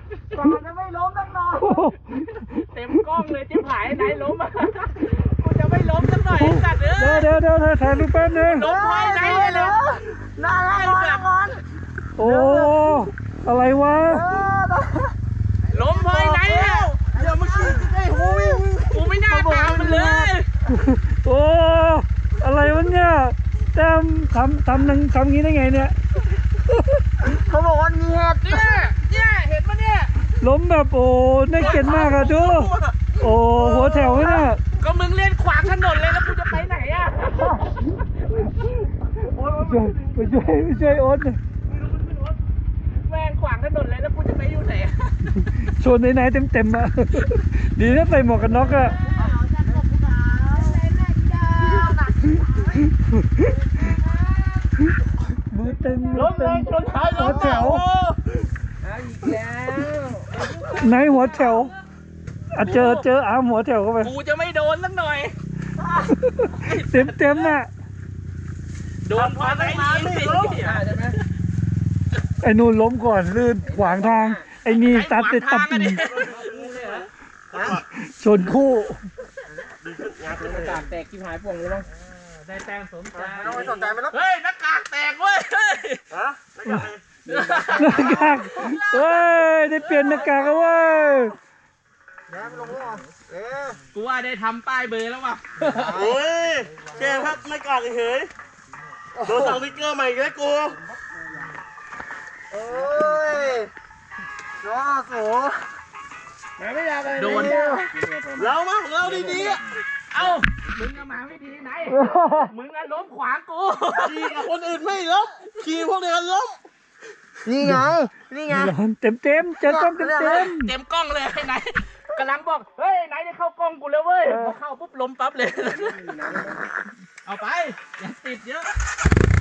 ก่อนจะไม่ล้มสักหน่อยเต็มกล้องเลยจิ้มหายไหนล้มอ่ะกูจะไม่ล้มสักหน่อยสัตว์เดี๋ยวถ่ายรูปแป๊บนึงล้มพอยไหนเลยแล้วน่ารักก่อนโอ้อะไรวะล้มพอยไหนแล้วเดี๋ยวเมื่อกี้ไอ้หูกูไม่น่าตามมันเลยโอ้อะไรวะเนี่ยแต้มทำงี้ได้ไงเนี่ยเขาบอกว่ามีเห็ดเนี่ยเห็ดปะเนี่ยล้มแบบโอ้น่าเกลียดมากอะดูโอ้หัวแถวเนี่ยก็มึงเล่นขวางถนนเลยแล้วกูจะไปไหนอะไปช่วยโอ๊ตแม่งขวางถนนเลยแล้วกูจะไปอยู่ไหนชนไหนเต็มอะดีนะใส่หมวกกันน็อกอะมือเต็มชนท้ายหัวแถวอีกแล้วไหนหัวแถวเจออาหัวแถวเข้าไปกูจะไม่โดนสักหน่อยเต็มน่ะโดนพอไหนนี่ใช่ไหมไอ้นู่นล้มก่อนลื่นขวางทางไอ้นี่ตัดชนคู่กากแตกที่หายป่วงเลยมั้งได้แต้มสมใจไม่สนใจมันแล้วเฮ้ยหน้ากากแตกเว้ยฮะหน้ากากเฮ้ยได้เปลี่ยนหน้ากากแล้วเว้ยกูว่าได้ทำป้ายเบอร์แล้วว่ะโอ้ยแกครับไม่กล้าเฉยโดนสั่งสติ๊กเกอร์ใหม่เลยกูโอ้ยน้อโสไม่อยากเลยโดนเรามาของเราดีๆเอ้ามึงมาไม่ดีไหนมึงล้มขวางกูขี่กับคนอื่นไม่ล้มขี่พวกเดียวกันล้มนี่ไงเต็มเจอกล้องเต็มกล้องเลยไหนกำลังบอกเฮ้ยไหนได้เข้ากล้องกูแล้วเว้ยพอเข้าปุ๊บล้มปั๊บเลยเอาไปอย่าติดเยอะ